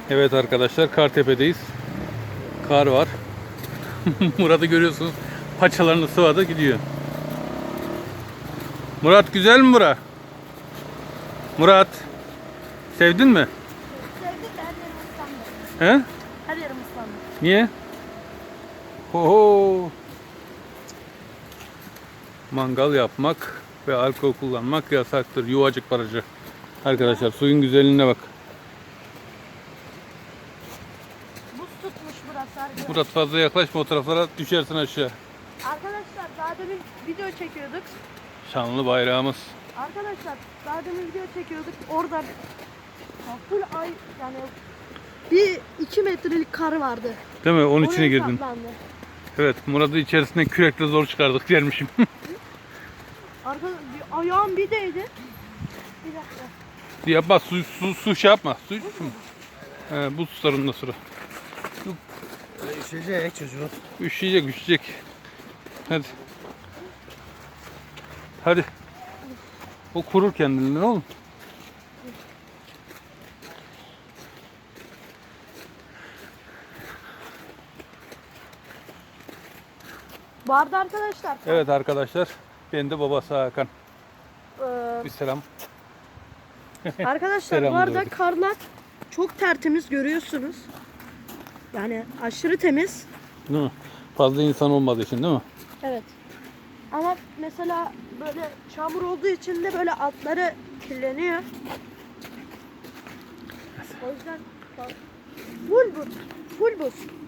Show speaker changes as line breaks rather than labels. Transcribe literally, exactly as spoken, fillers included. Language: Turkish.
Evet arkadaşlar, Kartepe'deyiz. Kar var. Murat'ı görüyorsunuz. Paçalarını sıvadı gidiyor. Murat, güzel mi bura? Murat, sevdin mi?
Sevdik de her yerim ıslandı.
He?
Her yerim ıslandı.
Niye? Oho. Mangal yapmak ve alkol kullanmak yasaktır. Yuvacık barajı. Arkadaşlar, suyun güzelliğine bak.
Buz tutmuş burası arkadaşlar.
Murat, fazla yaklaşma o taraflara, düşersin aşağı.
Arkadaşlar daha demin video çekiyorduk.
Şanlı bayrağımız.
Arkadaşlar daha demin video çekiyorduk. Orada ya full ay yani bir iki metrelik kar vardı.
Değil mi? Onun
Oraya
içine girdin.
saplandı.
Evet, Murat'ı içerisinden kürekle zor çıkardık dermişim.
Arkadaşlar bir ayağım bir değdi. Bir dakika.
Yapma, su, su, su şey yapma. Su, su. He, buz tutar ondan sonra.
Üşüyecek çocuk.
Üşüyecek, üşüyecek. Hadi. Hadi. O kurur kendinden oğlum.
Bu arada arkadaşlar.
Evet arkadaşlar, ben de babası Hakan.
eee,
Bir selam.
Arkadaşlar bu
Selam
arada
verdik.
karlar çok tertemiz görüyorsunuz. Yani aşırı temiz.
Değil mi? Fazla insan olmadığı için değil mi?
Evet. Ama mesela böyle çamur olduğu için de böyle altları kirleniyor. O yüzden bak, full buz. Full buz.